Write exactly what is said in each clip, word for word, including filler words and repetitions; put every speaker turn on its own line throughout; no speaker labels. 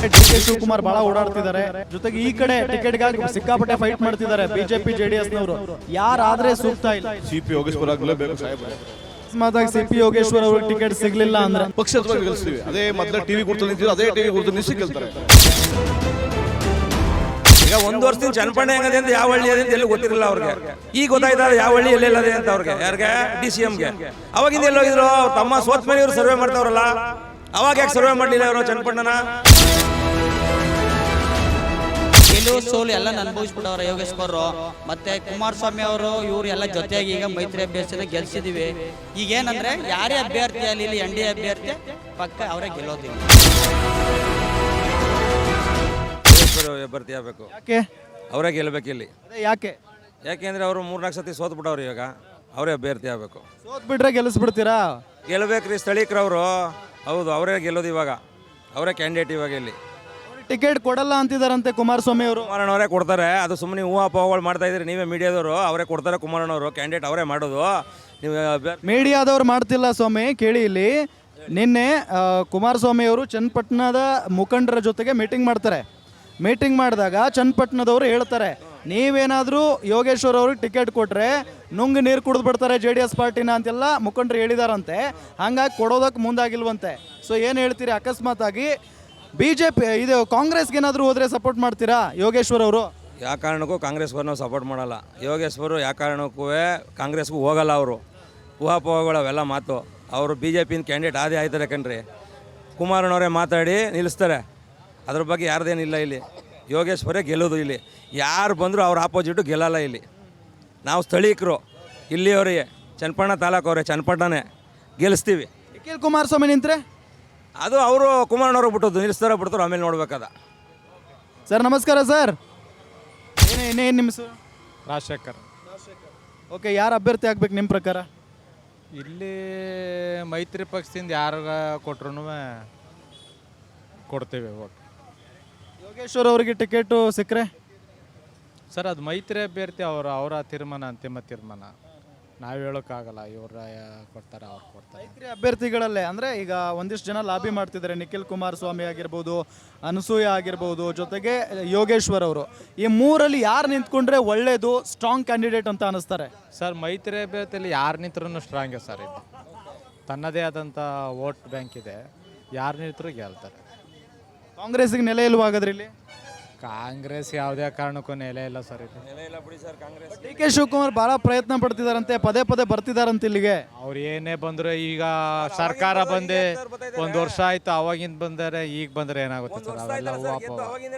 D K Shivakumar ಬಹಳ ಓಡಾಡ್ತಿದ್ದಾರೆ, ಜೊತೆಗೆ ಈ ಕಡೆ ಟಿಕೆಟ್ಗಾಗಿ ಸಿಕ್ಕಾಪಟ್ಟೆ ಫೈಟ್ ಮಾಡ್ತಿದ್ದಾರೆ ಬಿಜೆಪಿ ಜೆಡಿಎಸ್ ನವರು. ಯಾರಾದ್ರೆ ಸೂಕ್ತ ಇಲ್ಲ?
ಸಿಪಿ ಯೋಗೇಶ್ವರ ಆಗಲೇಬೇಕು ಸಾಹೇಬ್ರೆ.
ಅಕಸ್ಮಾತ್ ಸಿಪಿ ಯೋಗೇಶ್ವರ್ ಅವ್ರಿಗೆ ಟಿಕೆಟ್ ಸಿಗ್ಲಿಲ್ಲ ಅಂದ್ರೆ
ಪಕ್ಷದ ಗೆಲ್ಸ್ತೀವಿ. ಅದೇ ಮೊದಲ ಟಿವಿ ಗುರುತು ನಿಂತಿದ್ರು, ಅದೇ ಟಿವಿ ಗುರುತು ನಿಲ್ಸಿ ಗೆಲ್ತಾರೆ.
ಈಗ ಒಂದು ವರ್ಷದಿಂದ ಚನ್ನಪಣ್ಣ ಹೆಂಗದೆ ಅಂತ ಯಾವ ಹಳ್ಳಿ ಅದೇ ಅಂತ ಎಲ್ಲಿ ಗೊತ್ತಿರಲಿಲ್ಲ ಅವ್ರಿಗೆ. ಈಗ ಗೊತ್ತಾಯ್ತಲ್ಲ ಯಾವ ಹಳ್ಳಿ ಎಲ್ಲೆಲ್ಲದೆ ಅಂತ ಅವ್ರಿಗೆ. ಯಾರಿಗೆ? ಡಿ ಸಿ ಎಂಗೆ. ಅವಾಗಿಂದ ಎಲ್ಲೋಗಿದ್ರು? ಅವ್ರ ತಮ್ಮ ಸೋತ್ ಮೇಲೆ ಇವರು ಸರ್ವೆ ಮಾಡ್ತಾವ್ರಲ್ಲ, ಅವಾಗ ಯಾಕೆ ಸರ್ವೆ ಮಾಡಲಿಲ್ಲ ಇವರು ಚನ್ನಪಣ್ಣನ?
ಗೆಲುವು ಸೋಲು ಎಲ್ಲ ಅನುಭವಿಸ್ಬಿಟ್ಟವ್ರೆ ಯೋಗೇಶ್ವರ್ ಮತ್ತೆ ಕುಮಾರಸ್ವಾಮಿ ಅವರು. ಇವ್ರು ಎಲ್ಲ ಜೊತೆಯಾಗಿ ಈಗ ಮೈತ್ರಿ ಅಭ್ಯರ್ಥಿನ ಗೆಲ್ಸಿದೀವಿ. ಈಗ ಏನಂದ್ರೆ ಯಾರೇ ಅಭ್ಯರ್ಥಿ ಅಲ್ಲಿ ಇಲ್ಲಿ ಎನ್ ಡಿ ಎ ಅಭ್ಯರ್ಥಿ ಪಕ್ಕ ಅವರೇ ಗೆಲ್ಲೋದಿಲ್ಲ.
ಅಭ್ಯರ್ಥಿ ಆಗಬೇಕು,
ಯಾಕೆ
ಅವರೇ ಗೆಲ್ಲಬೇಕು ಇಲ್ಲಿ.
ಯಾಕೆ
ಯಾಕೆಂದ್ರೆ ಅವರು ಮೂರ್ನಾಲ್ಕು ಸತಿ ಸೋತ್ ಬಿಟ್ಟವ್ರು, ಇವಾಗ ಅವರೇ ಅಭ್ಯರ್ಥಿ ಆಗಬೇಕು.
ಸೋತ್ ಬಿಟ್ರೆ ಗೆಲ್ಲಿಸ್ಬಿಡ್ತೀರಾ?
ಗೆಲ್ಲಬೇಕ್ರಿ ಸ್ಥಳೀಕರವರು. ಹೌದು, ಅವರೇ ಗೆಲ್ಲೋದು ಇವಾಗ, ಅವರೇ ಕ್ಯಾಂಡಿಡೇಟ್ ಇವಾಗ ಇಲ್ಲಿ.
ಟಿಕೆಟ್ ಕೊಡಲ್ಲ ಅಂತಿದಾರಂತೆ ಕುಮಾರಸ್ವಾಮಿ ಅವರು.
ಕುಮಾರಣ್ಣವರೇ ಕೊಡ್ತಾರೆ. ಅದು ಸುಮ್ಮನೆ ಹೂವು ಅಪೋಹಗಳು ಮಾಡ್ತಾ ಇದ್ರಿ ನೀವೇ ಮೀಡಿಯಾದವರು. ಅವರೇ ಕೊಡ್ತಾರೆ ಕುಮಾರಣ್ಣವರು, ಕ್ಯಾಂಡಿಡೇಟ್ ಅವರೇ ಮಾಡೋದು. ನೀವು
ಮೀಡಿಯಾದವ್ರು ಮಾಡ್ತಿಲ್ಲ ಸ್ವಾಮಿ, ಕೇಳಿ ಇಲ್ಲಿ. ನಿನ್ನೆ ಕುಮಾರಸ್ವಾಮಿ ಅವರು ಚನ್ನಪಟ್ಟಣದ ಮುಖಂಡರ ಜೊತೆಗೆ ಮೀಟಿಂಗ್ ಮಾಡ್ತಾರೆ. ಮೀಟಿಂಗ್ ಮಾಡಿದಾಗ ಚನ್ನಪಟ್ಟಣದವರು ಹೇಳ್ತಾರೆ, ನೀವೇನಾದರೂ ಯೋಗೇಶ್ವರ್ ಅವ್ರಿಗೆ ಟಿಕೆಟ್ ಕೊಟ್ಟರೆ ನುಂಗ್ ನೀರು ಕುಡಿದು ಬಿಡ್ತಾರೆ ಜೆ ಡಿ ಎಸ್ ಪಾರ್ಟಿನ ಅಂತೆಲ್ಲ ಮುಖಂಡರು ಹೇಳಿದಾರಂತೆ. ಹಂಗಾಗಿ ಕೊಡೋದಕ್ಕೆ ಮುಂದಾಗಿಲ್ವಂತೆ. ಸೊ ಏನು ಹೇಳ್ತೀರಿ? ಅಕಸ್ಮಾತ್ ಆಗಿ ಬಿ ಜೆ ಪಿ ಇದು ಕಾಂಗ್ರೆಸ್ಗೆ ಏನಾದರೂ ಹೋದರೆ ಸಪೋರ್ಟ್ ಮಾಡ್ತೀರಾ ಯೋಗೇಶ್ವರ್ ಅವರು?
ಯಾವ ಕಾರಣಕ್ಕೂ ಕಾಂಗ್ರೆಸ್ಗೂ ನಾವು ಸಪೋರ್ಟ್ ಮಾಡಲ್ಲ. ಯೋಗೇಶ್ವರು ಯಾವ ಕಾರಣಕ್ಕೂ ಕಾಂಗ್ರೆಸ್ಗೂ ಹೋಗಲ್ಲ. ಅವರು ಊಹಾಪೋಹಗಳು ಅವೆಲ್ಲ ಮಾತು. ಅವರು ಬಿ ಜೆ ಪಿನ ಕ್ಯಾಂಡಿಡೇಟ್ ಆದೇ ಆಯ್ತಾರೆ ಕಣ್ರಿ. ಕುಮಾರಣ್ಣವರೇ ಮಾತಾಡಿ ನಿಲ್ಲಿಸ್ತಾರೆ. ಅದ್ರ ಬಗ್ಗೆ ಯಾರ್ದೇನಿಲ್ಲ ಇಲ್ಲಿ. ಯೋಗೇಶ್ವರೇ ಗೆಲ್ಲೋದು ಇಲ್ಲಿ. ಯಾರು ಬಂದರೂ ಅವ್ರ ಆಪೋಸಿಟು ಗೆಲ್ಲಲ್ಲ ಇಲ್ಲಿ. ನಾವು ಸ್ಥಳೀಕರು ಇಲ್ಲಿಯವರಿಗೆ, ಚನ್ನಪಣ್ಣ ತಾಲೂಕು ಅವರೇ, ಚನ್ನಪಟ್ಟಣನೇ ಗೆಲ್ಲಿಸ್ತೀವಿ.
ನಿಖಿಲ್ ಕುಮಾರಸ್ವಾಮಿ ನಿಂತರೆ
ಅದು ಅವರು ಕುಮಾರಣ್ಣವ್ರಿಗೆ ಬಿಟ್ಟದ್ದು, ನಿಲ್ಲಿಸ್ತಾರೋ ಬಿಡ್ತಾರೋ ಆಮೇಲೆ ನೋಡ್ಬೇಕದ.
ಸರ್ ನಮಸ್ಕಾರ ಸರ್. ಏನೇ ಏನೇನು ನಿಮ್ಮ ಹೆಸರು?
ರಾಜಶೇಖರ್.
ಓಕೆ, ಯಾರು ಅಭ್ಯರ್ಥಿ ಆಗ್ಬೇಕು ನಿಮ್ಮ ಪ್ರಕಾರ?
ಇಲ್ಲಿ ಮೈತ್ರಿ ಪಕ್ಷದಿಂದ ಯಾರು ಕೊಟ್ರು ಕೊಡ್ತೇವೆ ಓಟ್.
ಯೋಗೇಶ್ವರ್ ಅವರಿಗೆ ಟಿಕೆಟು ಸಿಕ್ಕರೆ
ಸರ್ ಅದು ಮೈತ್ರಿ ಅಭ್ಯರ್ಥಿ ಅವರ ಅವರ ತೀರ್ಮಾನ, ಅಂತಿಮ ತೀರ್ಮಾನ. ನಾವು ಹೇಳೋಕ್ಕಾಗಲ್ಲ. ಇವ್ರ ಕೊಡ್ತಾರೆ, ಅವ್ರು ಕೊಡ್ತಾರೆ.
ಮೈತ್ರಿ ಅಭ್ಯರ್ಥಿಗಳಲ್ಲೇ ಅಂದರೆ ಈಗ ಒಂದಿಷ್ಟು ಜನ ಲಾಬಿ ಮಾಡ್ತಿದ್ದಾರೆ. ನಿಖಿಲ್ ಕುಮಾರಸ್ವಾಮಿ ಆಗಿರ್ಬೋದು, ಅನಸೂಯ ಆಗಿರ್ಬೋದು, ಜೊತೆಗೆ ಯೋಗೇಶ್ವರ್ ಅವರು. ಈ ಮೂರಲ್ಲಿ ಯಾರು ನಿಂತ್ಕೊಂಡ್ರೆ ಒಳ್ಳೆಯದು, ಸ್ಟ್ರಾಂಗ್ ಕ್ಯಾಂಡಿಡೇಟ್ ಅಂತ ಅನ್ನಿಸ್ತಾರೆ?
ಸರ್ ಮೈತ್ರಿ ಅಭ್ಯರ್ಥಿಯಲ್ಲಿ ಯಾರು ನಿಂತ್ರೂ ಸ್ಟ್ರಾಂಗೇ ಸರ್. ಇದು ತನ್ನದೇ ಆದಂಥ ವೋಟ್ ಬ್ಯಾಂಕ್ ಇದೆ. ಯಾರು ನಿಂತರೂ ಗೆಲ್ತಾರೆ.
ಕಾಂಗ್ರೆಸ್ಗೆ ನೆಲೆ ಇಲ್ವಾ ಹಾಗಾದ್ರೆ ಇಲ್ಲಿ?
ಕಾಂಗ್ರೆಸ್ ಯಾವುದೇ ಕಾರಣಕ್ಕೂ ನೆಲೆ ಇಲ್ಲ ಸರ್. ಇದು
ನೆಲೆ ಇಲ್ಲ ಬಿಡಿ sir Congress.
D K Shivakumar ಭಾಳ ಪ್ರಯತ್ನ ಪಡ್ತಿದಾರಂತೆ, ಪದೇ ಪದೇ ಬರ್ತಿದಾರಂತೆ ಇಲ್ಲಿಗೆ.
ಅವ್ರು ಏನೇ ಬಂದ್ರು, ಈಗ ಸರ್ಕಾರ ಬಂದೆ ಒಂದು ವರ್ಷ ಆಯ್ತು, ಅವಾಗಿಂದ ಬಂದರೆ ಈಗ ಬಂದರೆ ಏನಾಗುತ್ತೆ ಸರ್? ಅವೆಲ್ಲ ಹೂವು.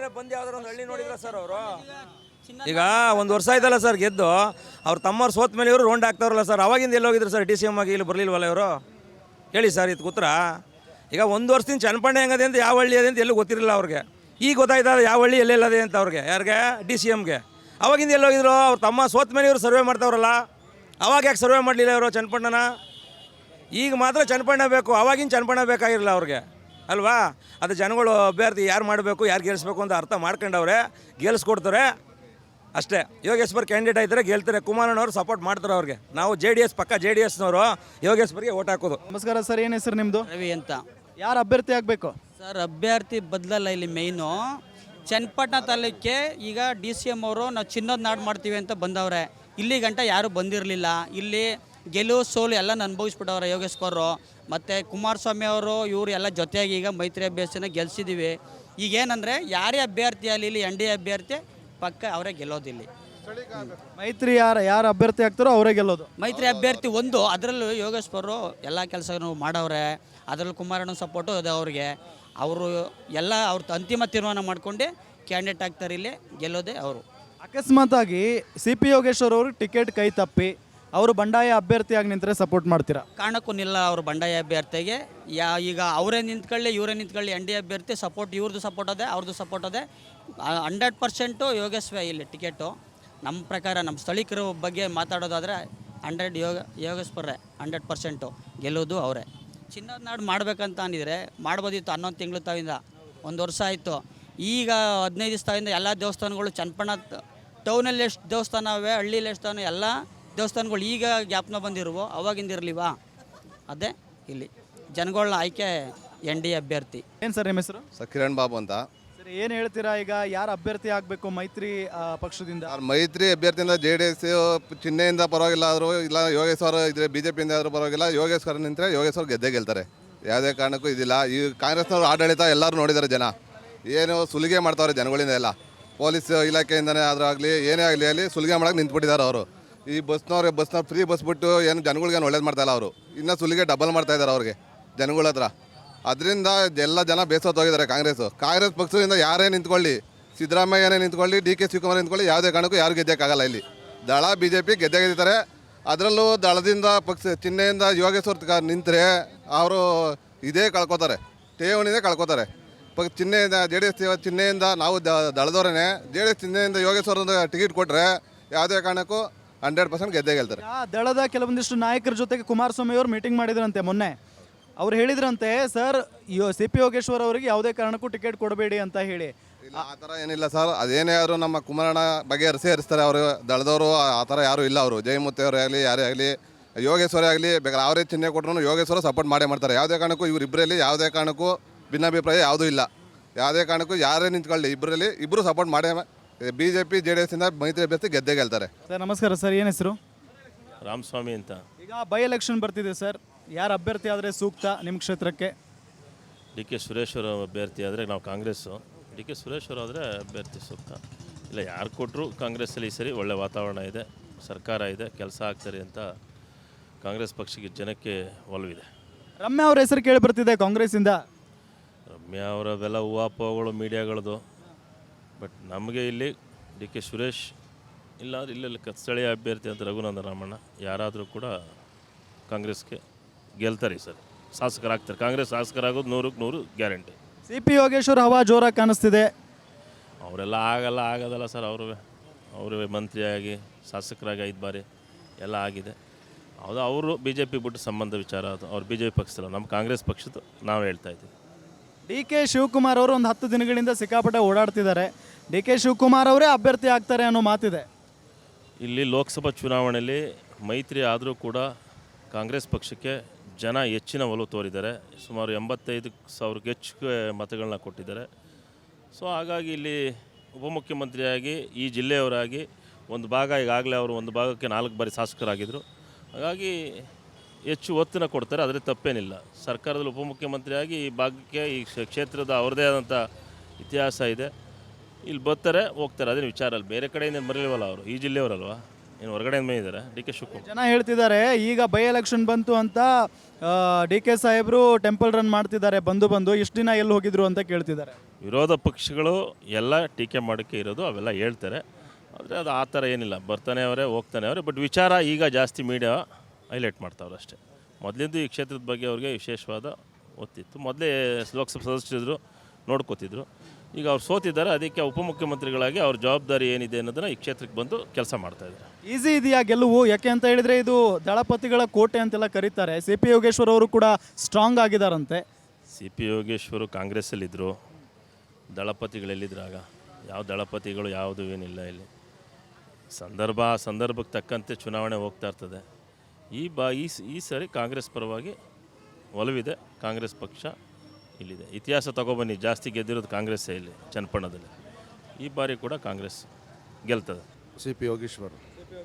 ಈಗ ಒಂದು ವರ್ಷ ಆಯ್ತಲ್ಲ ಸರ್ ಗೆದ್ದು. ಅವ್ರ ತಮ್ಮವ್ರು ಸೋತ್ ಮೇಲೆ ಇವರು ರೌಂಡ್ ಆಗ್ತಾರಲ್ಲ ಸರ್. ಅವಾಗಿಂದ ಎಲ್ಲೋಗಿದ್ರು ಸರ್? ಡಿ ಸಿ ಎಮ್ ಆಗಿ ಇಲ್ಲಿ ಬರಲಿಲ್ವಲ್ಲ ಇವರು? ಹೇಳಿ ಸರ್ ಇದು ಕೂತ್ರ. ಈಗ ಒಂದು ವರ್ಷದಿಂದ ಚನ್ನಪಣ್ಣ ಹೆಂಗದೆ ಅಂತ ಯಾವ ಹಳ್ಳಿ ಅದೇ ಅಂತ ಎಲ್ಲೂ ಗೊತ್ತಿರಲಿಲ್ಲ ಅವ್ರಿಗೆ. ಈಗ ಗೊತ್ತಾಯ್ತಲ್ಲ ಯಾವ ಹಳ್ಳಿ ಎಲ್ಲೆಲ್ಲದೆ ಅಂತ ಅವ್ರಿಗೆ. ಯಾರಿಗೆ? ಡಿ ಸಿ ಎಮ್ಗೆ. ಅವಾಗಿಂದ ಎಲ್ಲೋಗಿದ್ರು? ಅವ್ರ ತಮ್ಮ ಸೋತ್ ಮೇಲೆ ಇವರು ಸರ್ವೆ ಮಾಡ್ತಾವ್ರಲ್ಲ, ಅವಾಗ ಯಾಕೆ ಸರ್ವೆ ಮಾಡಲಿಲ್ಲ ಇವರು ಚನ್ನಪಣ್ಣನ? ಈಗ ಮಾತ್ರ ಚನ್ನಪಣ್ಣ ಬೇಕು, ಅವಾಗಿನ ಚನ್ನಪಣ್ಣ ಬೇಕಾಗಿರಲಿಲ್ಲ ಅವ್ರಿಗೆ ಅಲ್ವಾ? ಅದು ಜನಗಳು ಅಭ್ಯರ್ಥಿ ಯಾರು ಮಾಡಬೇಕು, ಯಾರು ಗೆಲ್ಲಿಸ್ಬೇಕು ಅಂತ ಅರ್ಥ ಮಾಡ್ಕೊಂಡವ್ರೆ, ಗೆಲ್ಲಿಸ್ಕೊಡ್ತಾರೆ ಅಷ್ಟೇ. ಯೋಗೇಶ್ವರ್ ಕ್ಯಾಂಡಿಡೇಟ್ ಆಯ್ತಾರೆ, ಗೆಲ್ತಾರೆ. ಕುಮಾರಣ್ಣವ್ರು ಸಪೋರ್ಟ್ ಮಾಡ್ತಾರೆ ಅವ್ರಿಗೆ. ನಾವು ಜೆ ಡಿ ಎಸ್ ಪಕ್ಕ ಜೆ ಡಿ ಎಸ್ನವರು ಯೋಗೇಶ್ವರ್ಗೆ ಓಟ್ ಹಾಕೋದು.
ನಮಸ್ಕಾರ ಸರ್, ಏನು ಹೆಸರು ನಿಮ್ಮದು?
ರವಿ ಅಂತ.
ಯಾರು ಅಭ್ಯರ್ಥಿ ಆಗಬೇಕು
ಸರ್? ಅಭ್ಯರ್ಥಿ ಬದಲಲ್ಲ ಇಲ್ಲಿ ಮೇಯ್ನು. ಚನ್ನಪಟ್ಟಣ ತಾಲೂಕಿಗೆ ಈಗ ಡಿ ಸಿ ಎಮ್ ಅವರು ನಾವು ಚಿನ್ನದ ನಾಡು ಮಾಡ್ತೀವಿ ಅಂತ ಬಂದವ್ರೆ. ಇಲ್ಲಿ ಗಂಟ ಯಾರೂ ಬಂದಿರಲಿಲ್ಲ. ಇಲ್ಲಿ ಗೆಲುವು ಸೋಲು ಎಲ್ಲ ಅನುಭವಿಸ್ಬಿಟ್ಟವ್ರೆ ಯೋಗೇಶ್ವರು ಮತ್ತು ಕುಮಾರಸ್ವಾಮಿ ಅವರು. ಇವರು ಎಲ್ಲ ಜೊತೆಯಾಗಿ ಈಗ ಮೈತ್ರಿ ಅಭ್ಯರ್ಥಿನ ಗೆಲ್ಸಿದ್ದೀವಿ. ಈಗೇನಂದರೆ ಯಾರೇ ಅಭ್ಯರ್ಥಿ ಅಲ್ಲಿ ಇಲ್ಲಿ ಎನ್ ಡಿ ಎ ಅಭ್ಯರ್ಥಿ ಪಕ್ಕ ಅವರೇ ಗೆಲ್ಲೋದಿಲ್ಲ.
ಮೈತ್ರಿ ಯಾರು ಯಾರು ಅಭ್ಯರ್ಥಿ ಆಗ್ತಾರೋ ಅವರೇ ಗೆಲ್ಲೋದು.
ಮೈತ್ರಿ ಅಭ್ಯರ್ಥಿ ಒಂದು, ಅದರಲ್ಲೂ ಯೋಗೇಶ್ವರು ಎಲ್ಲ ಕೆಲಸನೂ ಮಾಡವ್ರೆ. ಅದರಲ್ಲಿ ಕುಮಾರಣ್ಣ ಸಪೋರ್ಟು ಇದೆ ಅವ್ರಿಗೆ. ಅವರು ಎಲ್ಲ ಅವ್ರ ಅಂತಿಮ ತೀರ್ಮಾನ ಮಾಡ್ಕೊಂಡು ಕ್ಯಾಂಡಿಡೇಟ್ ಆಗ್ತಾರೆ, ಇಲ್ಲಿ ಗೆಲ್ಲೋದೇ ಅವರು.
ಅಕಸ್ಮಾತ್ ಆಗಿ ಸಿ ಪಿ ಯೋಗೇಶ್ವರ್ ಅವರು ಟಿಕೆಟ್ ಕೈ ತಪ್ಪಿ ಅವರು ಬಂಡಾಯ ಅಭ್ಯರ್ಥಿಯಾಗಿ ನಿಂತರೆ ಸಪೋರ್ಟ್ ಮಾಡ್ತೀರಾ?
ಕಾರಣಕ್ಕೂ ನಿಲ್ಲ ಅವರು ಬಂಡಾಯ ಅಭ್ಯರ್ಥಿಗೆ. ಯಾ ಈಗ ಅವರೇ ನಿಂತ್ಕೊಳ್ಳಿ ಇವರೇ ನಿಂತ್ಕೊಳ್ಳಿ, ಎನ್ ಡಿ ಅಭ್ಯರ್ಥಿ ಸಪೋರ್ಟ್ ಇವ್ರದ್ದು ಸಪೋರ್ಟ್ ಅದೇ, ಅವ್ರದ್ದು ಸಪೋರ್ಟ್ ಅದೇ. ಹಂಡ್ರೆಡ್ ಪರ್ಸೆಂಟು ಯೋಗೇಶ್ವೇ ಇಲ್ಲಿ ಟಿಕೆಟು. ನಮ್ಮ ಪ್ರಕಾರ ನಮ್ಮ ಸ್ಥಳೀಕರ ಬಗ್ಗೆ ಮಾತಾಡೋದಾದರೆ ಹಂಡ್ರೆಡ್ ಯೋಗ ಯೋಗೇಶ್ವರೇ ಹಂಡ್ರೆಡ್ ಪರ್ಸೆಂಟು ಗೆಲ್ಲೋದು ಅವರೇ. ಚಿನ್ನದ ನಾಡು ಮಾಡಬೇಕಂತ ಅಂದಿದ್ರೆ ಮಾಡ್ಬೋದಿತ್ತು. ಹನ್ನೊಂದು ತಿಂಗಳು ತಾವಿಂದ ಒಂದು ವರ್ಷ ಆಯಿತು. ಈಗ ಹದಿನೈದು ದಿವಸ ತಾವಿಂದ ಎಲ್ಲ ದೇವಸ್ಥಾನಗಳು ಚನ್ನಪಣ್ಣ ಟೌನಲ್ಲಿ ಎಷ್ಟು ದೇವಸ್ಥಾನ ಅವೆ, ಹಳ್ಳಿಲಿ ಎಷ್ಟು ಎಲ್ಲ ದೇವಸ್ಥಾನಗಳು ಈಗ ಜ್ಞಾಪನ ಬಂದಿರುವೋ, ಅವಾಗಿಂದ ಇರಲಿವಾ? ಅದೇ ಇಲ್ಲಿ ಜನಗಳ ಆಯ್ಕೆ ಎನ್ ಡಿ ಅಭ್ಯರ್ಥಿ.
ಏನು ಸರ್ ನಿಮ್ಮ ಹೆಸರು?
ಸರ್ ಕಿರಣ್ ಬಾಬು ಅಂತ.
ಸರ್ ಏನು ಹೇಳ್ತೀರಾ, ಈಗ ಯಾರು ಅಭ್ಯರ್ಥಿ ಆಗಬೇಕು ಮೈತ್ರಿ ಆ, ಪಕ್ಷದಿಂದ?
ಸರ್ ಮೈತ್ರಿ ಅಭ್ಯರ್ಥಿಯಿಂದ ಜೆ ಡಿ ಎಸ್ ಚಿಹ್ನೆಯಿಂದ ಪರವಾಗಿಲ್ಲ ಆದರೂ ಇಲ್ಲ ಯೋಗೇಶ್ವರ ಇದ್ರೆ ಬಿ ಜೆ ಪಿಯಿಂದ ಆದರೂ ಪರವಾಗಿಲ್ಲ, ಯೋಗೇಶ್ವರ ನಿಂತರೆ ಯೋಗೇಶ್ವರ ಗೆದ್ದೇ ಗೆಲ್ತಾರೆ. ಯಾವುದೇ ಕಾರಣಕ್ಕೂ ಇದಿಲ್ಲ. ಈ ಕಾಂಗ್ರೆಸ್ನವ್ರು ಆಡಳಿತ ಎಲ್ಲರೂ ನೋಡಿದ್ದಾರೆ ಜನ, ಏನು ಸುಲಿಗೆ ಮಾಡ್ತಾವ್ರೆ ಜನಗಳಿಂದ ಎಲ್ಲ. ಪೊಲೀಸ್ ಇಲಾಖೆಯಿಂದನೇ ಆದರೂ ಆಗಲಿ ಏನೇ ಆಗಲಿ ಅಲ್ಲಿ ಸುಲಿಗೆ ಮಾಡೋಕೆ ನಿಂತ್ಬಿಟ್ಟಿದ್ದಾರೆ ಅವರು. ಈ ಬಸ್ನವ್ರೆ ಬಸ್ನವ್ರು ಫ್ರೀ ಬಸ್ ಬಿಟ್ಟು ಏನು ಜನಗಳಿಗೆ ಒಳ್ಳೇದು ಮಾಡ್ತಾಯಿಲ್ಲ ಅವರು, ಇನ್ನೂ ಸುಲಿಗೆ ಡಬಲ್ ಮಾಡ್ತಾ ಇದ್ದಾರೆ ಅವ್ರಿಗೆ ಜನಗಳ ಹತ್ರ. ಅದರಿಂದ ಎಲ್ಲ ಜನ ಬೇಸತ್ತು ಹೋಗಿದ್ದಾರೆ ಕಾಂಗ್ರೆಸ್ಸು. ಕಾಂಗ್ರೆಸ್ ಪಕ್ಷದಿಂದ ಯಾರೇ ನಿಂತ್ಕೊಳ್ಳಿ, ಸಿದ್ದರಾಮಯ್ಯನೇ ನಿಂತ್ಕೊಳ್ಳಿ, ಡಿ ಕೆ ಶಿವಕುಮಾರ್ ನಿಂತ್ಕೊಳ್ಳಿ, ಯಾವುದೇ ಕಾರಣಕ್ಕೂ ಯಾರು ಗೆದ್ದಕ್ಕಾಗಲ್ಲ. ಇಲ್ಲಿ ದಳ ಬಿ ಜೆ ಪಿ ಗೆದ್ದೇ ಗೆದ್ದಿದ್ದಾರೆ. ಅದರಲ್ಲೂ ದಳದಿಂದ ಪಕ್ಷ ಚಿಹ್ನೆಯಿಂದ ಯೋಗೇಶ್ವರ ನಿಂತರೆ ಅವರು ಇದೇ ಕಳ್ಕೊತಾರೆ, ಠೇವಣಿನೇ ಕಳ್ಕೊತಾರೆ. ಪಕ್ಷ ಚಿಹ್ನೆಯಿಂದ ಜೆ ಡಿ ಎಸ್ ಚಿಹ್ನೆಯಿಂದ ನಾವು ದಳದವರೇ ಜೆ ಡಿ ಎಸ್ ಚಿಹ್ನೆಯಿಂದ ಯೋಗೇಶ್ವರ ಟಿಕೆಟ್ ಕೊಟ್ಟರೆ ಯಾವುದೇ ಕಾರಣಕ್ಕೂ ಹಂಡ್ರೆಡ್ ಪರ್ಸೆಂಟ್ ಗೆದ್ದೇ ಗೆಲ್ತಾರೆ.
ಆ ದಳದ ಕೆಲವೊಂದಿಷ್ಟು ನಾಯಕರ ಜೊತೆಗೆ ಕುಮಾರಸ್ವಾಮಿ ಅವರು ಮೀಟಿಂಗ್ ಮಾಡಿದ್ರಂತೆ ಮೊನ್ನೆ. ಅವ್ರು ಹೇಳಿದ್ರಂತೆ ಸರ್ ಯೋ ಸಿ ಪಿ ಯೋಗೇಶ್ವರ್ ಅವರಿಗೆ ಯಾವುದೇ ಕಾರಣಕ್ಕೂ ಟಿಕೆಟ್ ಕೊಡಬೇಡಿ ಅಂತ ಹೇಳಿ.
ಇಲ್ಲ ಆ ಥರ ಏನಿಲ್ಲ ಸರ್, ಅದೇನೇ ಆದರೂ ನಮ್ಮ ಕುಮಾರಣ್ಣ ಬಗ್ಗೆ ಹರಿಸಿ ಹರಿಸ್ತಾರೆ ಅವರು. ದಳದವರು ಆ ಥರ ಯಾರೂ ಇಲ್ಲ. ಅವರು ಜಯಮೂರ್ತಿ ಆಗಲಿ ಯಾರೇ ಆಗಲಿ ಯೋಗೇಶ್ವರ ಆಗಲಿ ಬೇಕಾದ್ರೆ ಅವರೇ ಚಿಹ್ನೆ ಕೊಟ್ಟರು ಯೋಗೇಶ್ವರ ಸಪೋರ್ಟ್ ಮಾಡೇ ಮಾಡ್ತಾರೆ. ಯಾವುದೇ ಕಾರಣಕ್ಕೂ ಇವರಿಬ್ಬರಲ್ಲಿ ಯಾವುದೇ ಕಾರಣಕ್ಕೂ ಭಿನ್ನಾಭಿಪ್ರಾಯ ಯಾವುದೂ ಇಲ್ಲ. ಯಾವುದೇ ಕಾರಣಕ್ಕೂ ಯಾರೇ ನಿಂತ್ಕೊಳ್ಳಿ ಇಬ್ಬರಲ್ಲಿ ಇಬ್ಬರು ಸಪೋರ್ಟ್ ಮಾಡೇ B J P J D ಎಸ್ಸಿಂದ ಮೈತ್ರಿ ಅಭ್ಯರ್ಥಿ ಗೆದ್ದೇ ಗೆಲ್ತಾರೆ.
ಸರ್ ನಮಸ್ಕಾರ ಸರ್, ಏನು ಹೆಸರು?
ರಾಮಸ್ವಾಮಿ ಅಂತ.
ಈಗ ಬೈ ಎಲೆಕ್ಷನ್ ಬರ್ತಿದೆ ಸರ್, ಯಾರು ಅಭ್ಯರ್ಥಿ ಆದರೆ ಸೂಕ್ತ ನಿಮ್ಮ ಕ್ಷೇತ್ರಕ್ಕೆ?
ಡಿ ಕೆ ಸುರೇಶ್ವರ ಅಭ್ಯರ್ಥಿ ಆದರೆ ನಾವು ಕಾಂಗ್ರೆಸ್ಸು, ಡಿ ಕೆ ಸುರೇಶ್ವರ ಆದರೆ ಅಭ್ಯರ್ಥಿ ಸೂಕ್ತ. ಇಲ್ಲ ಯಾರು ಕೊಟ್ಟರು ಕಾಂಗ್ರೆಸ್ಸಲ್ಲಿ ಈ ಸರಿ ಒಳ್ಳೆ ವಾತಾವರಣ ಇದೆ, ಸರ್ಕಾರ ಇದೆ, ಕೆಲಸ ಆಗ್ತಾರೆ ಅಂತ ಕಾಂಗ್ರೆಸ್ ಪಕ್ಷಕ್ಕೆ ಜನಕ್ಕೆ ಒಲವಿದೆ.
ರಮ್ಯಾ ಅವ್ರ ಹೆಸರು ಕೇಳಿ ಬರ್ತಿದೆ ಕಾಂಗ್ರೆಸ್ಸಿಂದ.
ರಮ್ಯಾ ಅವರವೆಲ್ಲ ಹೂವಾಪಗಳು ಮೀಡಿಯಾಗಳದು. ಬಟ್ ನಮಗೆ ಇಲ್ಲಿ ಡಿ ಕೆ ಸುರೇಶ್ ಇಲ್ಲ ಇಲ್ಲೆಲ್ಲ ಸ್ಥಳೀಯ ಅಭ್ಯರ್ಥಿ ಅಂತ ರಘುನಂದನ್ ರಾಮಣ್ಣ ಯಾರಾದರೂ ಕೂಡ ಕಾಂಗ್ರೆಸ್ಗೆ ಗೆಲ್ತಾರೆ ಸರ್, ಶಾಸಕರಾಗ್ತಾರೆ. ಕಾಂಗ್ರೆಸ್ ಶಾಸಕರಾಗೋದು ನೂರಕ್ಕೆ ನೂರು ಗ್ಯಾರಂಟಿ.
ಸಿ ಪಿ ಯೋಗೇಶ್ವರ್ ಹವಾ ಜೋರಾಗಿ ಕಾಣಿಸ್ತಿದೆ.
ಅವರೆಲ್ಲ ಆಗಲ್ಲ ಆಗೋದಲ್ಲ ಸರ್. ಅವರು ಅವರು ಮಂತ್ರಿಯಾಗಿ ಶಾಸಕರಾಗಿ ಐದು ಬಾರಿ ಎಲ್ಲ ಆಗಿದೆ. ಹೌದು, ಅವರು ಬಿ ಜೆ ಪಿ ಬಿಟ್ಟು ಸಂಬಂಧ ವಿಚಾರ ಅದು. ಅವ್ರು ಬಿ ಜೆ ಪಿ ಪಕ್ಷದಲ್ಲ, ನಮ್ಮ ಕಾಂಗ್ರೆಸ್ ಪಕ್ಷದ್ದು ನಾವು ಹೇಳ್ತಾ ಇದ್ದೀವಿ.
ಡಿ ಕೆ ಶಿವಕುಮಾರ್ ಅವರು ಒಂದು ಹತ್ತು ದಿನಗಳಿಂದ ಸಿಕ್ಕಾಪಟ್ಟೆ ಓಡಾಡ್ತಿದ್ದಾರೆ. ಡಿ ಕೆ ಶಿವಕುಮಾರ್ ಅವರೇ ಅಭ್ಯರ್ಥಿ ಆಗ್ತಾರೆ ಅನ್ನೋ ಮಾತಿದೆ.
ಇಲ್ಲಿ ಲೋಕಸಭಾ ಚುನಾವಣೆಯಲ್ಲಿ ಮೈತ್ರಿ ಆದರೂ ಕೂಡ ಕಾಂಗ್ರೆಸ್ ಪಕ್ಷಕ್ಕೆ ಜನ ಹೆಚ್ಚಿನ ಒಲವು ತೋರಿದ್ದಾರೆ. ಸುಮಾರು ಎಂಬತ್ತೈದು ಸಾವಿರಕ್ಕೆ ಹೆಚ್ಚು ಮತಗಳನ್ನ ಕೊಟ್ಟಿದ್ದಾರೆ. ಸೊ ಹಾಗಾಗಿ ಇಲ್ಲಿ ಉಪಮುಖ್ಯಮಂತ್ರಿಯಾಗಿ ಈ ಜಿಲ್ಲೆಯವರಾಗಿ ಒಂದು ಭಾಗ ಈಗಾಗಲೇ ಅವರು ಒಂದು ಭಾಗಕ್ಕೆ ನಾಲ್ಕು ಬಾರಿ ಶಾಸಕರಾಗಿದ್ದರು. ಹಾಗಾಗಿ ಹೆಚ್ಚು ಒತ್ತನ್ನು ಕೊಡ್ತಾರೆ, ಅದರ ತಪ್ಪೇನಿಲ್ಲ. ಸರ್ಕಾರದಲ್ಲಿ ಉಪಮುಖ್ಯಮಂತ್ರಿಯಾಗಿ ಈ ಭಾಗಕ್ಕೆ ಈ ಕ್ಷೇತ್ರದ ಅವ್ರದ್ದೇ ಆದಂಥ ಇತಿಹಾಸ ಇದೆ. ಇಲ್ಲಿ ಬರ್ತಾರೆ ಹೋಗ್ತಾರೆ, ಅದೇನು ವಿಚಾರ ಅಲ್ಲ. ಬೇರೆ ಕಡೆಯಿಂದ ಬರಲಿಲ್ವಲ್ಲ ಅವರು, ಈ ಜಿಲ್ಲೆಯವರಲ್ವಾ, ಏನು ಹೊರಗಡೆಯಿಂದ ಬಂದಿದ್ದಾರೆ. ಡಿ ಕೆ ಶಿವಕುಮಾರ್
ಜನ ಹೇಳ್ತಿದ್ದಾರೆ ಈಗ ಬೈ ಎಲೆಕ್ಷನ್ ಬಂತು ಅಂತ ಡಿ ಕೆ ಸಾಹೇಬರು ಟೆಂಪಲ್ ರನ್ ಮಾಡ್ತಿದ್ದಾರೆ, ಬಂದು ಬಂದು ಇಷ್ಟು ದಿನ ಎಲ್ಲಿ ಹೋಗಿದ್ರು ಅಂತ ಕೇಳ್ತಿದ್ದಾರೆ.
ವಿರೋಧ ಪಕ್ಷಗಳು ಎಲ್ಲ ಟೀಕೆ ಮಾಡೋಕ್ಕೆ ಇರೋದು ಅವೆಲ್ಲ ಹೇಳ್ತಾರೆ. ಆದರೆ ಅದು ಆ ಥರ ಏನಿಲ್ಲ, ಬರ್ತಾನೆ ಅವರೇ ಹೋಗ್ತಾನೆ ಅವರೇ. ಬಟ್ ವಿಚಾರ ಈಗ ಜಾಸ್ತಿ ಮೀಡಿಯಾ ಹೈಲೈಟ್ ಮಾಡ್ತಾವ್ರೆ ಅಷ್ಟೇ. ಮೊದಲಿಂದ ಈ ಕ್ಷೇತ್ರದ ಬಗ್ಗೆ ಅವ್ರಿಗೆ ವಿಶೇಷವಾದ ಒತ್ತಿತ್ತು. ಮೊದಲೇ ಲೋಕಸಭಾ ಸದಸ್ಯರಿದ್ರು, ನೋಡ್ಕೋತಿದ್ರು. ಈಗ ಅವ್ರು ಸೋತಿದ್ದಾರೆ, ಅದಕ್ಕೆ ಉಪಮುಖ್ಯಮಂತ್ರಿಗಳಾಗಿ ಅವ್ರ ಜವಾಬ್ದಾರಿ ಏನಿದೆ ಅನ್ನೋದನ್ನು ಈ ಕ್ಷೇತ್ರಕ್ಕೆ ಬಂದು ಕೆಲಸ ಮಾಡ್ತಾಯಿದ್ದಾರೆ.
ಈಸಿ ಇದೆಯಾ ಗೆಲುವು? ಯಾಕೆ ಅಂತ ಹೇಳಿದರೆ ಇದು ದಳಪತಿಗಳ ಕೋಟೆ ಅಂತೆಲ್ಲ ಕರೀತಾರೆ. ಸಿ ಪಿ ಯೋಗೇಶ್ವರ್ ಅವರು ಕೂಡ ಸ್ಟ್ರಾಂಗ್ ಆಗಿದ್ದಾರಂತೆ.
ಸಿ ಪಿ ಯೋಗೇಶ್ವರು ಕಾಂಗ್ರೆಸ್ಸಲ್ಲಿದ್ದರು, ದಳಪತಿಗಳೆಲ್ಲಿದ್ರಾಗ ಯಾವ ದಳಪತಿಗಳು ಯಾವುದು ಏನಿಲ್ಲ. ಇಲ್ಲಿ ಸಂದರ್ಭ ಸಂದರ್ಭಕ್ಕೆ ತಕ್ಕಂತೆ ಚುನಾವಣೆ ಹೋಗ್ತಾ ಇರ್ತದೆ. ಈ ಬಾ ಈ ಈ ಸರಿ ಕಾಂಗ್ರೆಸ್ ಪರವಾಗಿ ಒಲವಿದೆ. ಕಾಂಗ್ರೆಸ್ ಪಕ್ಷ ಇಲ್ಲಿದೆ. ಇತಿಹಾಸ ತಗೊಬನ್ನಿ, ಜಾಸ್ತಿ ಗೆದ್ದಿರೋದು ಕಾಂಗ್ರೆಸ್ಸೇ ಇಲ್ಲಿ ಚನ್ನಪಣ್ಣದಲ್ಲಿ. ಈ ಬಾರಿ ಕೂಡ ಕಾಂಗ್ರೆಸ್ ಗೆಲ್ತದೆ.
C P Yogeshwar.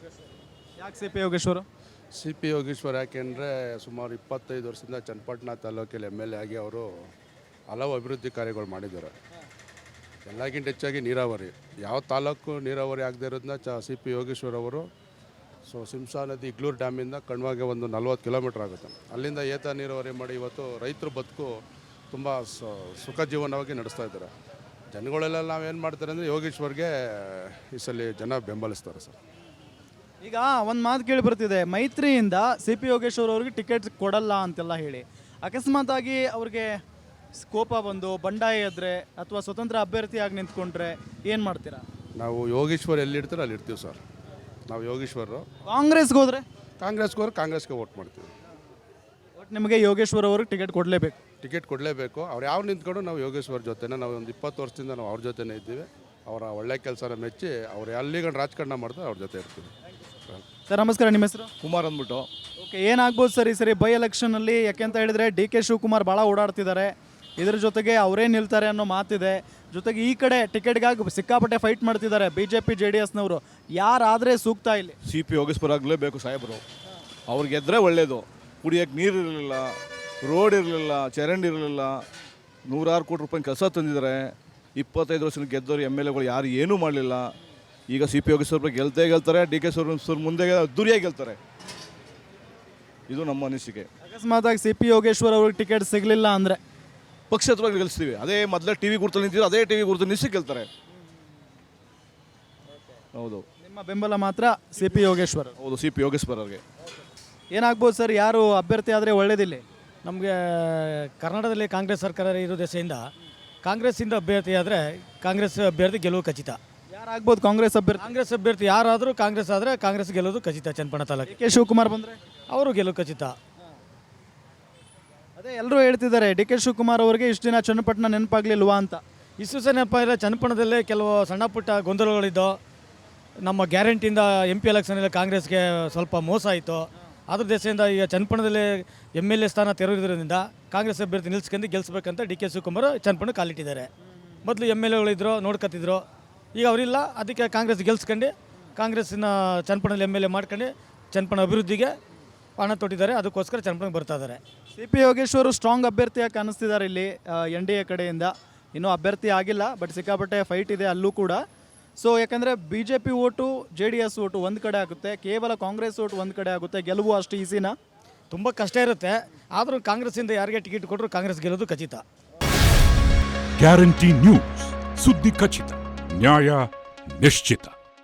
ಯಾಕೆ C P Yogeshwar?
C P Yogeshwar ಯಾಕೆಂದರೆ ಸುಮಾರು ಇಪ್ಪತ್ತೈದು ವರ್ಷದಿಂದ ಚನ್ನಪಟ್ಟಣ ತಾಲೂಕಲ್ಲಿ ಎಮ್ ಎಲ್ ಎ ಆಗಿ ಅವರು ಹಲವು ಅಭಿವೃದ್ಧಿ ಕಾರ್ಯಗಳು ಮಾಡಿದ್ದಾರೆ. ಎಲ್ಲಕ್ಕಿಂತ ಹೆಚ್ಚಾಗಿ ನೀರಾವರಿ, ಯಾವ ತಾಲೂಕು ನೀರಾವರಿ ಆಗದೆ ಇರೋದನ್ನ ಚ ಸಿ ಪಿ ಯೋಗೇಶ್ವರ್ ಅವರು ಸೊ ಸಿಂಸಾ ನದಿ ಇಗ್ಲೂರು ಡ್ಯಾಮಿಂದ ಕಣ್ವಾಗೆ ಒಂದು ನಲ್ವತ್ತು ಕಿಲೋಮೀಟ್ರ್ ಆಗುತ್ತೆ, ಅಲ್ಲಿಂದ ಏತ ನೀರಾವರಿ ಮಾಡಿ ಇವತ್ತು ರೈತರ ಬದುಕು ತುಂಬ ಸುಖ ಜೀವನವಾಗಿ ನಡೆಸ್ತಾ ಇದ್ದಾರೆ. ಜನಗಳೆಲ್ಲ ನಾವೇನು ಮಾಡ್ತಾರೆ ಅಂದರೆ ಯೋಗೇಶ್ವರ್ಗೆ ಈ ಸಲ ಜನ ಬೆಂಬಲಿಸ್ತಾರೆ ಸರ್.
ಈಗ ಒಂದು ಮಾತು ಕೇಳಿ ಬರ್ತಿದೆ, ಮೈತ್ರಿಯಿಂದ ಸಿ ಪಿ ಯೋಗೇಶ್ವರ್ ಅವ್ರಿಗೆ ಟಿಕೆಟ್ ಕೊಡಲ್ಲ ಅಂತೆಲ್ಲ ಹೇಳಿ, ಅಕಸ್ಮಾತಾಗಿ ಅವ್ರಿಗೆ ಕೋಪ ಬಂದು ಬಂಡಾಯ ಎದ್ರೆ ಅಥವಾ ಸ್ವತಂತ್ರ ಅಭ್ಯರ್ಥಿಯಾಗಿ ನಿಂತ್ಕೊಂಡ್ರೆ ಏನು ಮಾಡ್ತೀರಾ?
ನಾವು ಯೋಗೇಶ್ವರ್ ಎಲ್ಲಿರ್ತೀರೋ ಅಲ್ಲಿ ಇರ್ತೀವಿ ಸರ್. ನಾವು ಯೋಗೇಶ್ವರರು.
ಕಾಂಗ್ರೆಸ್ಗೆ ಹೋದರೆ?
ಕಾಂಗ್ರೆಸ್ಗೆ ಹೋದ್ರೆ ಕಾಂಗ್ರೆಸ್ಗೆ ವೋಟ್ ಮಾಡ್ತೀವಿ.
ಒಟ್ಟು ನಿಮಗೆ ಯೋಗೇಶ್ವರ್ ಅವ್ರಿಗೆ ಟಿಕೆಟ್ ಕೊಡಲೇಬೇಕು?
ಟಿಕೆಟ್ ಕೊಡಲೇಬೇಕು. ಅವ್ರು ಯಾವ ನಿಂತ್ಕೊಂಡು ನಾವು ಯೋಗೇಶ್ವರ್ ಜೊತೆನೇ, ನಾವು ಒಂದು ಇಪ್ಪತ್ತು ವರ್ಷದಿಂದ ನಾವು ಅವ್ರ ಜೊತೆನೇ ಇದ್ದೀವಿ. ಅವರ ಒಳ್ಳೆ ಕೆಲಸನ ಮೆಚ್ಚಿ ಅವ್ರು ಎಲ್ಲಿಗಂಡು ರಾಜಕಾರಣ ಮಾಡ್ತಾರೆ ಅವ್ರ ಜೊತೆ ಇರ್ತೀವಿ.
ಸರ್ ನಮಸ್ಕಾರ, ನಿಮ್ಮ ಹೆಸರು?
ಕುಮಾರ್ ಅಂದ್ಬಿಟ್ಟು.
ಓಕೆ, ಏನಾಗ್ಬೋದು ಸರ್ ಈ ಸರಿ ಬೈ ಎಲೆಕ್ಷನಲ್ಲಿ? ಯಾಕೆಂತ ಹೇಳಿದರೆ ಡಿ ಕೆ ಶಿವಕುಮಾರ್ ಭಾಳ ಓಡಾಡ್ತಿದ್ದಾರೆ, ಇದ್ರ ಜೊತೆಗೆ ಅವರೇ ನಿಲ್ತಾರೆ ಅನ್ನೋ ಮಾತಿದೆ. ಜೊತೆಗೆ ಈ ಕಡೆ ಟಿಕೆಟ್ಗಾಗಿ ಸಿಕ್ಕಾಪಟ್ಟೆ ಫೈಟ್ ಮಾಡ್ತಿದ್ದಾರೆ B J P J D ಎಸ್ನವರು. ಯಾರಾದರೆ ಸೂಕ್ತ ಇಲ್ಲಿ?
ಸಿ ಪಿ ಯೋಗೇಶ್ವರ ಆಗಲೇಬೇಕು ಸಾಹೇಬರು. ಅವ್ರು ಗೆದ್ದರೆ ಒಳ್ಳೆಯದು. ಕುಡಿಯೋಕ್ಕೆ ನೀರು ಇರಲಿಲ್ಲ, ರೋಡ್ ಇರಲಿಲ್ಲ, ಚರಂಡಿ ಇರಲಿಲ್ಲ, ನೂರಾರು ಕೋಟಿ ರೂಪಾಯಿ ಕೆಲಸ ತಂದಿದ್ದಾರೆ. ಇಪ್ಪತ್ತೈದು ವರ್ಷದ ಗೆದ್ದವರು ಎಮ್ ಎಲ್ ಎಗಳು ಯಾರು ಏನೂ ಮಾಡಲಿಲ್ಲ. ಈಗ ಸಿ ಪಿ ಯೋಗೇಶ್ವರ ಗೆಲ್ತೇ ಗೆಲ್ತಾರೆ, ಡಿ ಕೆ ಸುರ್ ಮುಂದೆ ಅದ್ದೂರಿಯಾಗಿ ಗೆಲ್ತಾರೆ. ಇದು ನಮ್ಮ ಅನಿಸಿಕೆ.
ಅಕಸ್ಮಾತಾಗಿ ಸಿ ಪಿ ಯೋಗೇಶ್ವರ್ ಅವ್ರಿಗೆ ಟಿಕೆಟ್ ಸಿಗಲಿಲ್ಲ ಅಂದರೆ
ಪಕ್ಷೇತರವಾಗಿ ಗೆಲ್ಲಿಸ್ತೀವಿ. ಅದೇ ಮೊದಲೇ ಟಿ ವಿ ಗುರುತಲ್ಲಿ ನಿಂತಿದ್ರು, ಅದೇ ಟಿ ವಿ ಗುರುತು ನಿಲ್ಲಿಸಿ ಗೆಲ್ತಾರೆ. ಹೌದು,
ನಿಮ್ಮ ಬೆಂಬಲ ಮಾತ್ರ ಸಿ ಪಿ ಯೋಗೇಶ್ವರ್.
ಹೌದು, ಸಿ ಪಿ ಯೋಗೇಶ್ವರ ಅವ್ರಿಗೆ.
ಏನಾಗ್ಬೋದು ಸರ್, ಯಾರು ಅಭ್ಯರ್ಥಿ ಆದರೆ ಒಳ್ಳೇದಿಲ್ಲ?
ನಮಗೆ ಕರ್ನಾಟಕದಲ್ಲಿ ಕಾಂಗ್ರೆಸ್ ಸರ್ಕಾರ ಇರೋ ದೆಸೆಯಿಂದ ಕಾಂಗ್ರೆಸ್ಸಿಂದ ಅಭ್ಯರ್ಥಿ ಆದರೆ ಕಾಂಗ್ರೆಸ್ ಅಭ್ಯರ್ಥಿ ಗೆಲುವು ಖಚಿತ.
ಯಾರಾಗ್ಬೋದು ಕಾಂಗ್ರೆಸ್ ಅಭ್ಯರ್ಥಿ?
ಕಾಂಗ್ರೆಸ್ ಅಭ್ಯರ್ಥಿ ಯಾರಾದರೂ ಕಾಂಗ್ರೆಸ್ ಆದರೆ ಕಾಂಗ್ರೆಸ್ ಗೆಲ್ಲೋದು ಖಚಿತ. ಚನ್ನಪಟ್ಟಣ ತಾಲೂಕು
ಕೆ ಶಿವಕುಮಾರ್ ಬಂದರೆ
ಅವರು ಗೆಲುವು ಖಚಿತ.
ಅದೇ ಎಲ್ಲರೂ ಹೇಳ್ತಿದ್ದಾರೆ ಡಿ ಕೆ ಶಿವಕುಮಾರ್ ಅವರಿಗೆ ಇಷ್ಟು ದಿನ ಚನ್ನಪಟ್ಟಣ ನೆನಪಾಗ್ಲಿಲ್ವಾ ಅಂತ.
ಇಷ್ಟು ಸಹ ನೆನಪಾಗಿಲ್ಲ. ಚನ್ನಪಟ್ಟಣದಲ್ಲೇ ಕೆಲವು ಸಣ್ಣ ಪುಟ್ಟ ಗೊಂದಲಗಳಿದ್ದು, ನಮ್ಮ ಗ್ಯಾರಂಟಿಯಿಂದ ಎಂ ಪಿ ಎಲೆಕ್ಷನಲ್ಲಿ ಕಾಂಗ್ರೆಸ್ಗೆ ಸ್ವಲ್ಪ ಮೋಸ ಆಯಿತು. ಅದ್ರ ದೆಸೆಯಿಂದ ಈಗ ಚನ್ನಪಟ್ಟಣದಲ್ಲಿ ಎಮ್ ಎಲ್ ಎ ಸ್ಥಾನ ತೆರವಿರೋದ್ರಿಂದ ಕಾಂಗ್ರೆಸ್ ಅಭ್ಯರ್ಥಿ ನಿಲ್ಸ್ಕೊಂಡು ಗೆಲ್ಲಿಸ್ಬೇಕಂತ ಡಿ ಕೆ ಶಿವಕುಮಾರ್ ಚನ್ನಪಟ್ಟಣ ಕಾಲಿಟ್ಟಿದ್ದಾರೆ. ಮೊದಲು ಎಮ್ ಎಲ್ ಎಗಳಿದ್ರು, ನೋಡ್ಕೊತಿದ್ರು. ಈಗ ಅವರಿಲ್ಲ, ಅದಕ್ಕೆ ಕಾಂಗ್ರೆಸ್ ಗೆಲ್ಸ್ಕೊಂಡು ಕಾಂಗ್ರೆಸ್ಸಿನ ಚನ್ನಪಟ್ಟಣದಲ್ಲಿ ಎಮ್ ಎಲ್ ಎ ಮಾಡ್ಕೊಂಡು ಚನ್ನಪಟ್ಟಣ ಅಭಿವೃದ್ಧಿಗೆ ಹಣ ತೊಟ್ಟಿದ್ದಾರೆ. ಅದಕ್ಕೋಸ್ಕರ ಚನ್ನಪಟ್ಟಣಕ್ಕೆ ಬರ್ತಾ ಇದ್ದಾರೆ.
ಸಿ ಪಿ ಯೋಗೇಶ್ವರ್ ಸ್ಟ್ರಾಂಗ್ ಅಭ್ಯರ್ಥಿಯಾಗಿ ಕಾಣಿಸ್ತಿದ್ದಾರೆ ಇಲ್ಲಿ ಎನ್ ಡಿ ಎ ಕಡೆಯಿಂದ. ಇನ್ನೂ ಅಭ್ಯರ್ಥಿ ಆಗಿಲ್ಲ, ಬಟ್ ಸಿಕ್ಕಾಪಟ್ಟೆ ಫೈಟ್ ಇದೆ ಅಲ್ಲೂ ಕೂಡ. ಸೊ ಯಾಕಂದರೆ B J P vote J D S vote ಒಂದು ಕಡೆ ಆಗುತ್ತೆ, ಕೇವಲ ಕಾಂಗ್ರೆಸ್ ಓಟು ಒಂದು ಕಡೆ ಆಗುತ್ತೆ. ಗೆಲುವು ಅಷ್ಟು ಈಸಿನಾ?
ತುಂಬ ಕಷ್ಟ ಇರುತ್ತೆ. ಆದರೂ ಕಾಂಗ್ರೆಸ್ಸಿಂದ ಯಾರಿಗೆ ಟಿಕೆಟ್ ಕೊಟ್ಟರು ಕಾಂಗ್ರೆಸ್ ಗೆಲ್ಲೋದು ಖಚಿತ.
ಗ್ಯಾರಂಟಿ ನ್ಯೂಸ್, ಸುದ್ದಿ ಖಚಿತ, ನ್ಯಾಯ ನಿಶ್ಚಿತ.